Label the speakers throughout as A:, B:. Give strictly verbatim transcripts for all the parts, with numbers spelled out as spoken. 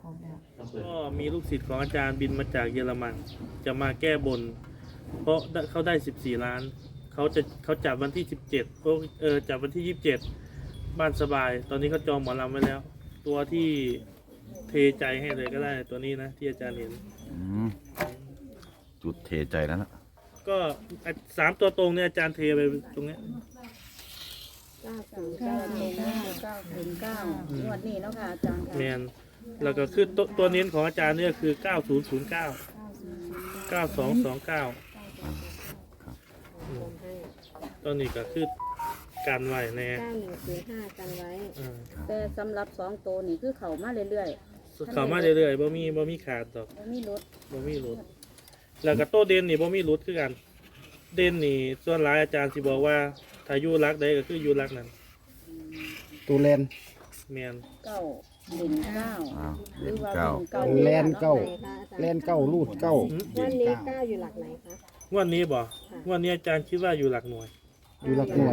A: ก็มีลูกศิษย์ของอาจารย์บินมาจากเยอรมันจะมาแก้บน เพราะเขาได้สิบสี่ล้านเขาจะเขาจัดวันที่สิบเจ็ดเออจัดวันที่ยี่สิบเจ็ดบ้านสบาย ตอนนี้เขาจองหมอลำไว้แล้ว ตัวที่เทใจให้เลยก็ได้ตัวนี้นะที่อาจารย์เห็น
B: อืมจุดเทใจแล้วนะ
A: ก็สามตัวตรงเนี่ยอาจารย์เทไปตรงเนี้ย
C: เก้าศูนย์เก้าหนึ่งเก้าศูนย์เก้างวดนี้เนาะค่ะอาจารย์ค่ะ
A: แมนแล้วก็คือตัวตัวเน้นของอาจารย์เนี่ยคือเก้าศูนย์ศูนย์เก้า เก้าสองสองเก้าตัวนี้ก็คือการไหวแน่
C: เก้าหนึ่งศูนย์ห้ากันไว้
A: อ่า
C: แต่สำหรับสองตัวนี่คือเขามาเรื่อย
A: เข้ามาเรื่อยๆบ่มีบ่มีขาดดอก
C: ๆไม่มีรถ
A: บ่มีรุดแล้วก็โตเด่นนี่บ่มีรุดคือกัน เด่นนี่ส่วนหลายอาจารย์สิบอกว่าถ้าอยู่รักใดก็คืออยู่รักนั้น
D: ตูแลน
A: แม่น
C: เก้าหนึ่งเก้า
B: อ้าว
C: หรือว่า
B: เก้า
C: เก้า
D: แลนเก้าแลนเก้ารูดเก้า
C: วันนี้เก้าอยู่หลักไหนคะ
A: งวันนี้บ่งวันนี้อาจารย์คิดว่าอยู่หลักหน่วย
D: อยู่หลักหน่วย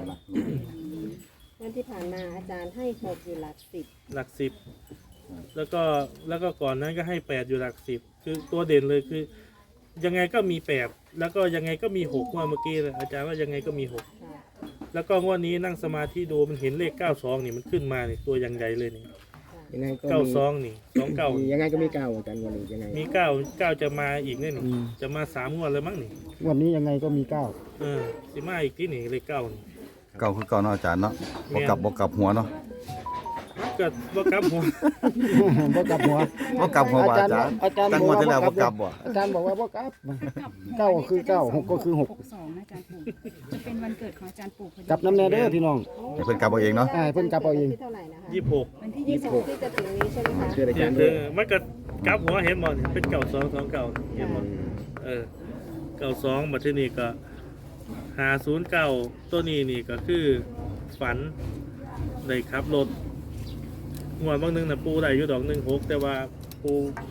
C: วันที่ผ่านมาอาจารย์ให้หกอยู่หลักสิบ
A: หลักสิบแล้วก็แล้วก็ก่อนนั้นก็ให้แปดอยู่หลักสิบคือตัวเด่นเลยคือ ยังไงก็มีแปดแล้วก็ยังไงก็มีหกงวดเมื่อกี้เลยอาจารย์ว่ายังไงก็มีหก
C: ค่ะ
A: แล้วก็งวดนี้นั่งสมาธิดูมันเห็นเลขเก้าสองนี่มันขึ้นมานี่ตัวยังใหญ่เลยนี่
D: ยังไงก็
A: เก้า
D: มี
A: สองนี่สองเก้า
D: ยังไงก็มีเก้าอาจารย์วันนี้ยังไง
A: มีเก้าเก้าจะมาอีกเนี่ยนี่จะมาสามงวดเลยมั้งนี่
D: วันนี้ยังไงก็มีเก้า
A: เออสิมาอีกที่นี่เลขเก้านี่
B: เก้าคือเก้าเนาะอาจารย์เนาะบวกกลับบวกกลับหัวเนาะ
A: ก็บ่กลับหัว
D: บ่กลับหัว
B: บวกกลับหัวว่าอาจารย์
D: อาจารย์
B: ตั้ง
D: บอก
B: วัน
D: ว่า
B: ที่แล้วบวกกลับบ่
D: อาจารย์บอกว่าบ่กลับเก้าก็คือเก้าหกก็คือหก
E: หกสองนะอาจารย์ปู่จะเป็นวันเกิดของอาจารย์ปู่พอดี
D: กลับน้ำแน่เด้อพี่น้อง
B: ให้เพิ่นกลับเอาเองเนาะ
D: อ่าเพิ่นกลับเอาเอง
C: ที่เท่าไหร่นะคะ
A: ยี่สิบหก
E: วันที่
C: ยี่
E: ยี่
C: สิ
E: สิ
C: บบ หกที่จะถึงนี้ใช่ไหมคะ
D: เชื่ออา
A: เนี่
D: จาย รย์
A: คือมันก็กลับหัวเห็นบ่นี่เป็นเก้าสองสองเก้าเห็นบ่เออเก้าสองมาที่นี่ก็หาศูนย์เก้าตัวนี้นี่ก็คือฝันได้ขับรถงวดบางนึงน่ะปูได้อยู่ดอกหนึ่งหกแต่ว่าปู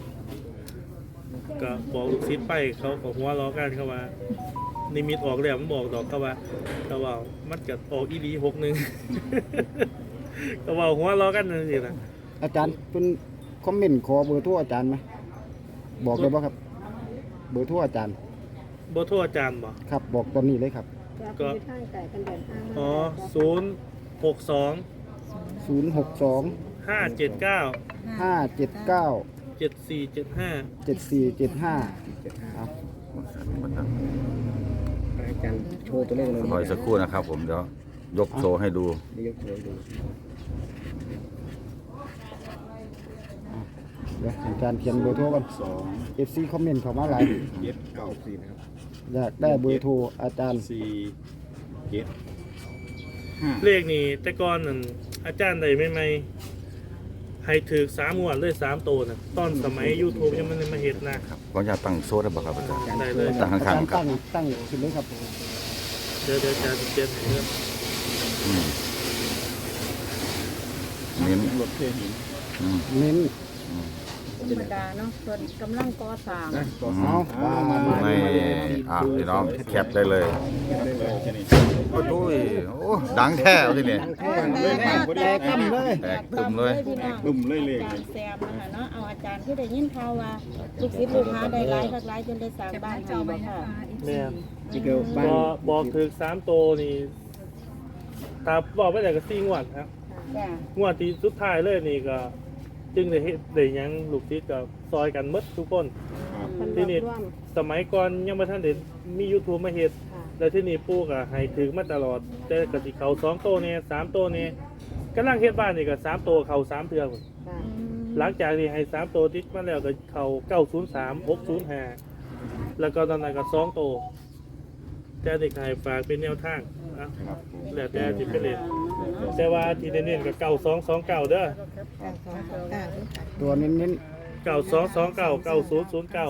A: ก็บอกลูกศิษย์ไปเขาก็หัวล้อกันเขาว่านิมิตออกแล้วมันบอกดอกเขาว่าเขาว่ามันก็ออกอีหลีหกหนึ่ง ก็ว่าหัวล้อกันนั่นสินะ
D: อาจารย์เพิ่นคอมเมนต์ขอเบอร์โทรอาจารย์ไหมบอกเลยบ่ครับ เบอร์โทรอาจารย์
A: บ่โทษอาจารย์บ่
D: ครับบอกตอนนี้เลยครับ
C: ก็คือท่างไก่กันเดินห้าง
A: อ๋อศูนย์หกสอง
D: ศูนย์หกสอง
A: ห้าเจ็ดเก้า
D: ห้าเจ็ดเก้า
A: เจ็ดสี่เจ็ดห้า
D: เจ็ดสี่เจ็ดห้า
F: อาจารย์โชว์ตัวเลขเลย
B: รออีกสักครู่นะครับผมเดี๋ยวยกโชว์ให้ดู
F: เดี๋ยวยกโชว์ดู
D: เดี๋ยวอาจารย์เขียนเบอร์โทรก่อน
F: สอง
D: เอฟซีคอมเมนต์เข้ามาหลาย
F: เจ็ดเก้าสี่นะครับ
D: อยากได้เบอร์โทรอาจารย์
F: สี่เจ็ดห้า
A: เลขนี่แต่ก่อนนั่นอาจารย์ใดไม่ไม่ให้ถือสามงวดเลยสามโตนะตอนสมัย ยูทูบ ยังไม่ได้มาเห็ดนะครับ
B: ขออนุญาตตั้งโซ่ได้บ่ครับอาจารย์
A: ได้เลย
B: ตั้ง
D: อา
B: ข้า
D: จาง รย์
B: ๆครับ
D: ตั้งตั้งขึ้นเลยครับ
A: เดี๋ยวเดี๋ยวอาจารย์จะเปลี่ยนให้เรื่อง
B: อืมเน้น
F: รถเทหิน
B: อืม
D: เน้น
C: ธรรมดาเนาะส่วนกำลังก่อสร้าง
F: นะต่อ
D: เอา
F: สาม
D: มามามา
B: ไม่อ่ะพี่น้องแคปได้เลย
F: ได้เลยแค่นี้
B: โอ้โหโอ้ดังแท้เอาทีนี้
D: แท่งเลยแตกตั้มเลย
B: แตกตึมเลย
C: พี่น้อง
F: บึ้มเลยเลย
C: อาจารย์แซมนะคะเนาะเอาอาจารย์ที่ได้ยินข่าวว่าลูกศิษย์ลูกหาได้หลายคักหลายจนได้สร้าง
E: แคปห
C: บ้าน
E: น้าจ
C: ให้
E: อไว้
C: บ่
E: นะ
C: ค่ะ
E: คะ
A: แม่น
F: นี่คือบ้าน
A: ก็บอกถือสามโตนี่ตาบอกไปแต่ก็สี่งวดครับ
C: จ้ะ
A: งวดที่สุดท้ายเลยนี่ก็ จึงได้เฮ็ดได้หยังลูกศิษย์กับซอยกันหมดทุกคน
C: มัน
A: ที่นี่
C: ร่วม
A: สมัยก่อนยังไม่ทันเด็มี YouTube มาเฮ็ด
C: ค่ะ
A: แล้วที่นี่ปู่ก็ให้ถือมาตลอด แต่ก็สิเขาสองโตเนี่ยสามโตเนี่ยกำลังเฮ็ดบ้านนี่ก็สามโตเขาสามเทื่อพุ่น
C: ค่ะ
A: หลังจากที่ให้สามโตติดมาแล้วก็เขาเก้าศูนย์สามหกศูนย์ห้าแล้วก็ตอนนั้นก็สองโตแต่เด็กให้ฝากเป็นแนวทางนะแล้วแต่ที่ไปเล่นแต่ว่าที่เน้นๆก็เก้าสองสองเก้าเด้อ
D: ตัวเน้นเน้น
A: เก้าสองสองเก้าเก้าศูนย์ศูนย์เก้า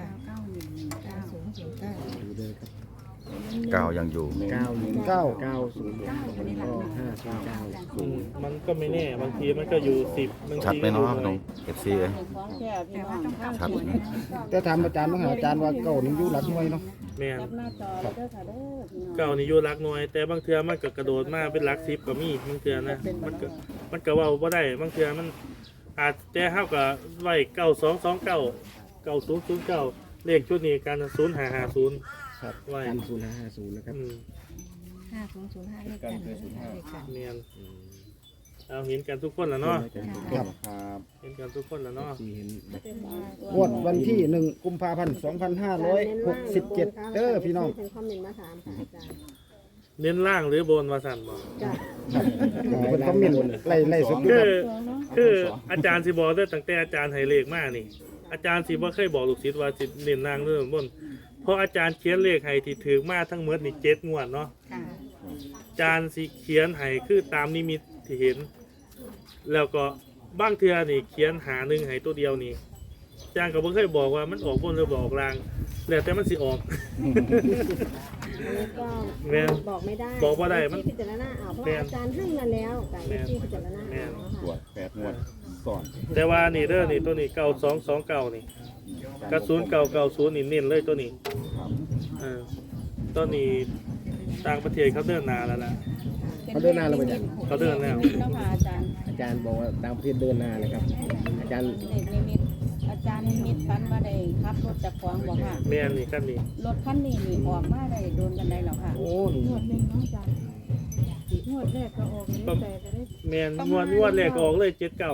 B: เก้ายังอยู่
F: เก้าหนึ่ง
D: เก้า
F: เก้าศูนย์ก็ห้าศูนย์เก้าศูนย์
A: มันก็ไม่แน่บางทีมันก็อยู่สิบบาง
B: ชัด
A: ที
B: ไหม
A: ก็อยู่
B: เนาะ
A: หน่
B: น้
A: อ
B: อย งเอฟซีเอ้ย
C: ของแท้พี่น้องข้าง
B: ชัด
C: ที่
B: ไหม
D: แต่ถามอาจารย์ว่าอาจารย์ว่าเก้านี่อยู่หลักหน่วยเนาะ
A: แม่น
C: จับหน้าจอแล้วเด้อค่ะเด้อพี่น้อง
A: เก้านี่อยู่รักหน่วย แต่บางเทื่อมันก็กระโดดมาเป็นรักสิบก็มีบางเทื่อนะมันก็มันก็เว่าบ่ได้บางเทื่อมันอาจแต่เฮาก็ไว้เก้าสองสองเก้าเก้าศูนย์ศูนย์เก้าเลขชุดนี้กันศูนย์ห้าห้าศูนย์
F: ครับ
A: ไว้
F: กันศูนย์ห้าห้าศูนย์นะครับ
A: อืม
E: ห้าศูนย์ศูนย์ห้าเลขกันเลขกัน
A: เนียนเอาเห็นกันทุกคนแล้วเนาะ
F: ครับ
A: เห็นกันทุกคนแล้วเนาะ
F: ที่เห็นแบบ
D: งวดวันที่หนึ่งกุมภาพันธ์สองพันห้าร้อยหกสิบเจ็ดเด้อพี่น้อง
C: เป็นคอมเมนต์มาถามค่ะอาจารย์
A: เน้นล่างหรือบนมาสั่นบ่
C: จ้ะ
D: เป็นคอมเมนต์ไล่ไล่สุดอยู่
A: คื
D: ค
A: อ
D: รับ
A: คืออาจารย์สิบอกได้ตั้งแต่อาจารย์ให้เลขมานี่ อาจารย์สิบ่เคยบอกลูกศิษย์ว่าสิเน้นล่างหรือบนเพราะอาจารย์เขียนเลขให้ที่ถือมาทั้งหมดนี่เจ็ดงวดเนาะ
E: ค่ะ
A: อาจารย์สิเขียนให้คือตามนิมิตที่เห็น แล้วก็บางเทื่อนี่เขียนหาหนึ่งให้ตัวเดียวนี่อาจารย์ก็บ่เคยบอกว่ามันออกบนหรือบอกล่างแล้วแต่มันสิออก
C: อันนี้ก็
A: แม่น
C: บอกไม่ได้
A: บอกบ่ได้มัน
C: ที่พิจารณาเอาเพราะ
A: แม่น
C: อาจารย์ให้มาแล้วแต่
A: แม่น
C: ที่พิจารณา
A: แม่น
C: เอา
F: ตรว
C: ค่ะ
F: จแปดงวดก่อน
A: แต่ว่านี่เด้อนี่ตัวนี้เก้าสองสองเก้านี่กระสุนเก้าเก้าศูนย์นี่เน้นเลยตัวนี้เออตัวนี้ต่างประเทศเขาเดินหนาแล้วล่ะ
D: เขาเดินหน้าแล้วไปจ้ะ
A: เขาเดินแล้ว
G: นิมิตเนาะค่ะอาจารย์
F: อาจารย์บอกว่าต่างประเทศเดินหน้าเลยครับ อาจารย์
G: เลขนิมิตอาจารย์นิมิตฝันมาได้ขับรถจากขวางบอกค่ะ
A: แม่นนี่กันนี่
G: รถคันนี้นี่ออกมาได้โดนกันได้แล้วค่ะ
F: โอ้
C: งวดหนึ่งเนาะอาจารย์งวดแรกก็ออกนี้แต่จะได้
A: แม่นงวดงวดแรกก็ออกเลยเจ็ดเก้าร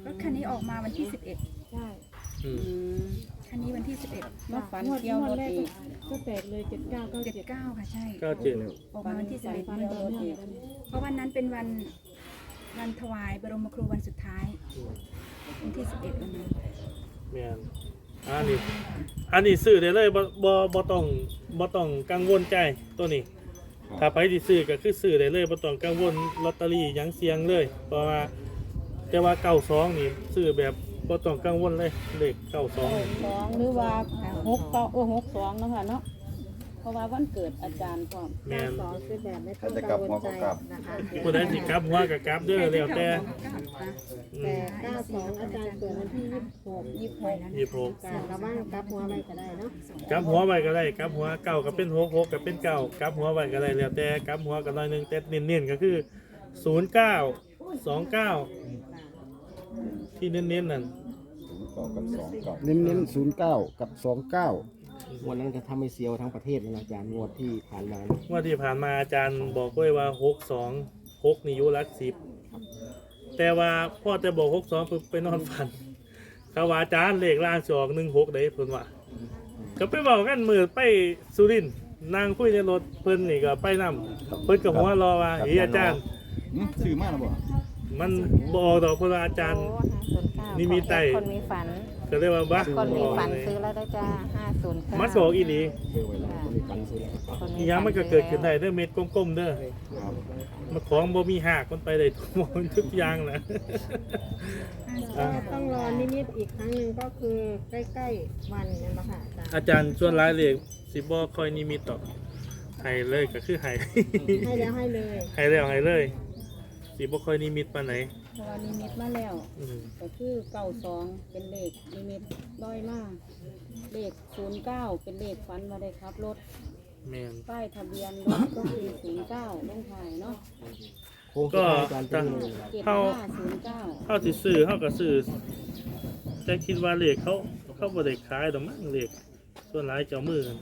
E: ถคันนี้ออกมาวันที่สิบเอ็ด
C: ใช่
A: อืม
G: อืม
E: คันนี้วันที่สิบเอ็ด
G: มาฝันเกี่ยวรถอีก
C: ก็แตกเลยเจ็ดเก้าเก้า
E: เจ็ด
C: เจ็ด
E: เก้าค่ะใช่
A: เก้าเจ็ด
E: ออกมาวันที่สิบเอ็ด
G: ฝันเกี่ยวรถอีก
E: เพราะวันนั้นเป็นวันวันถวายบรมครูวันสุดท้ายวันที่สิบเอ็ดวันนั้น
A: แม่นอันนี้อันนี้ซื้อได้เลยบ่บ่บ่ต้องบ่ต้องกังวลใจตัวนี้ ถ้าไปที่ซื้อก็คือซื้อได้เลยบ่ต้องกังวลลอตเตอรี่หยังเสียงเลย เพราะว่าแต่ว่าเก้าสองนี่ซื้อแบบบ่ต้องกังวลเลยเลขเก้าสอง
G: สองหรือว่าหกเก้าเออหกสองเนาะค่ะเนาะเพราะว่าวันเกิดอาจารย์พร้อม
A: แม่น
C: สองคือแบบไม่ต้องกังวลใจนะคะ
A: ผู้ใดสิกลับหัวก็กลับเด้อแล้วแต่อื
C: แต่
A: ม
C: เก้าสองอาจารย์เกิดวันที่ยี่สิบหก
G: ยี่สิบหก
A: ยี่สิบหก
C: การกระบ้างกับหัวไปก็ได้เนาะ
A: กลับหัวไว้ก็ได้กลับหัวเก้าก็เป็นหกหกก็เป็นเก้ากลับหัวไว้ก็ได้แล้วแต่กลับหัวก็น้อยหนึงแต่เน้นๆก็คือศูนย์เก้าสองเก้าที่เน้นๆนั่น
F: ต่อกับสองก่อน
D: เน้นเน้นศูนย์เก้ากับสองเก้า
F: วันนั้นจะทำให้เซียวทั้งประเทศเลยนะอาจารย์งวดที่ผ่านมา
A: เมื่อที่ผ่านมาอาจารย์บอกไว้ว่าหกสองหกนี่อยุรักสิบแต่ว่าพ่อจะบอกหกสองไปนอนฝันเขาว่าอาจารย์เลขล่างสองหนึ่งหกได้เพิ่นว่าก็ไปบอกกันมือไปสุรินทร์นางคุยในรถเพิ่นนี่ก็ไปนำเพิ่นกับหัวรอว่าเฮ้ยอาจารย์
F: ซื้อมากหรือเปล่า
A: มันบอกดอกเพราะว่าอาจารย์ นี่มีไต่
H: คนมีฝัน
A: ก็เลยว่าบ้า
H: คนมีฝันซื้อแล้วได้จ้าห้าศูนย์เก้า
A: มาบอกอีหลี
F: ซื้อไว้แล้วคนมีฟันซื้อแล้ว
H: คน
A: อีหยังมันก็เกิดขึ้นได้เด้อเม็ดกลมๆเด้อ
F: ครับ
A: มาของบ่มีหักมันไปได้ทุกหมดทุกอย่างแหละ
C: ก็ต้องรอนิมิตอีกครั้งหนึ่งก็คือใกล้ๆวันเนี่ยมาค่ะอาจารย์
A: อาจารย์ชวนร้ายเลยสิบ่คอยนิมิตต่อให้เลยก็คือให้
C: ให้แล้วให้เลย
A: ให้แล้วให้เลยสิบ่คอยนิมิตปานไหน
G: เพราะว่านิมิตมาแล้ว
A: อืม
G: ก็คือเก้าสองเป็นเลขนิมิตร้อยมาเลขศูนย์เก้าเป็นเลขฝันมาได้ครับรถ
A: แม่น
G: ป้ายทะเบียนรถก็คือศูนย์เก้าลงท้ายเนาะ
F: โค้งสุดท้ายอาจารย์เป็นยังไง
G: เจ็ด
A: เฮา
G: ห้าศูนย์เก้า
A: เฮาสิซื้อเฮาก็ซื้อแต่คิดว่าเลขเขาเขาบ่ได้ขายดอกมั้งเลขส่วนหลายเจ้ามือกัน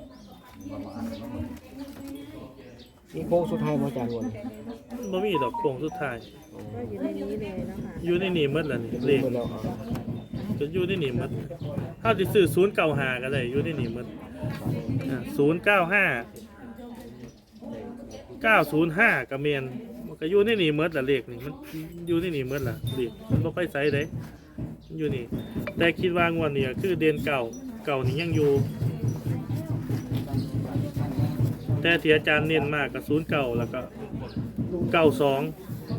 F: นี่โค้งสุดท้ายมาอาจารย์วัน
A: บ่มีดอกโค้งสุดท้าย
C: ก็อยู่ในนี้เลยนะคะ
A: อยู่ในนี่หมดแล้วนี่เลข
F: หมดแล้วอ่ะ
A: ก็อยู่ในนี่หมดเฮาสิซื้อศูนย์เก้าห้าก็ได้อยู่ในนี่หมดอ่าศูนย์เก้าห้า เก้าศูนย์ห้าก็แม่นมันก็อยู่ในนี่หมดละเลขนี่มันอยู่ในนี่หมดละเลขมันบ่ค่อยใส่เด้มันอยู่นี่ แต่คิดว่างวดนี้ก็คือเดือนเก่าเก่านี่ยังอยู่ แต่ที่อาจารย์เน้นมากก็ศูนย์เก้าแล้วก็เก้าสอง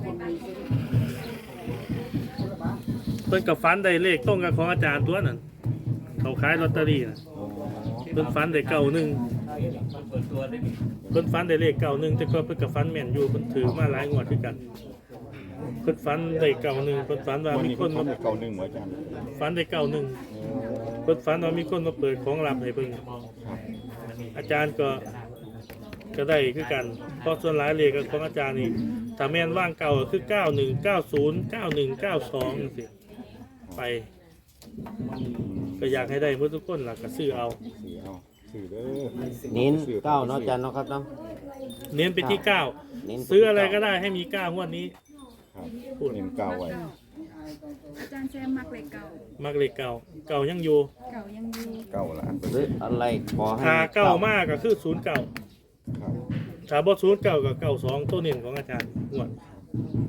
A: เพิ่นกับฟันได้เลขตรงกับของอาจารย์ตัวนั้นเขาขายลอตเตอรี่น่ะเพิ่นฟันได้เก้าหนึ่งเพิ่นฟันได้เลขเก้าหนึ่งแต่ก็เพิ่นกับฟันแม่นอยู่เพิ่นถือมาหลายงวดด้วยกันเพิ่นฟันได้เก้าหนึ่งเพิ่นฟันว่ามีคนมา
F: เก่าหนึ่งเหรออาจารย์
A: ฟันได้เก้าหนึ่งเพิ่นฟันว่ามีคนมาเปิดของลับให้เพิ่นอาจารย์ก็ก็ได้คือกันเพราะส่วนหลายเลขของอาจารย์นี่ถ้าแม่นว่างเก่าก็คือเก้าหนึ่ง เก้าศูนย์ เก้าหนึ่ง เก้าสองจังซี่ไป ก็อยากให้ได้เพื่อทุกคนหลักก็ซื้อเอา
B: สื่อเอาสื่อเด้อ
F: เน้นเก้าเนาะอาจารย์เนาะครับเนาะ
A: เน้นไปที่เก้า
F: เน้นปที่
A: ซื้ออะไรก็ได้ให้มีเก้างวดนี้
B: ครับพูดเน้นเก่าไว้
E: อาจารย์แซมมักเลขเก่า
A: มักเลขเก่าเก่ายังอยู่
E: เก่ายังอยู่
B: เก่าละ
F: หรืออะไรขอให้
A: ถ้าเก่ามากก็คือศูนย์เก่า
B: ครับ
A: ถ้าบ่ศูนย์เก่ากับเก่าสองตัวเน้นของอาจารย์งวด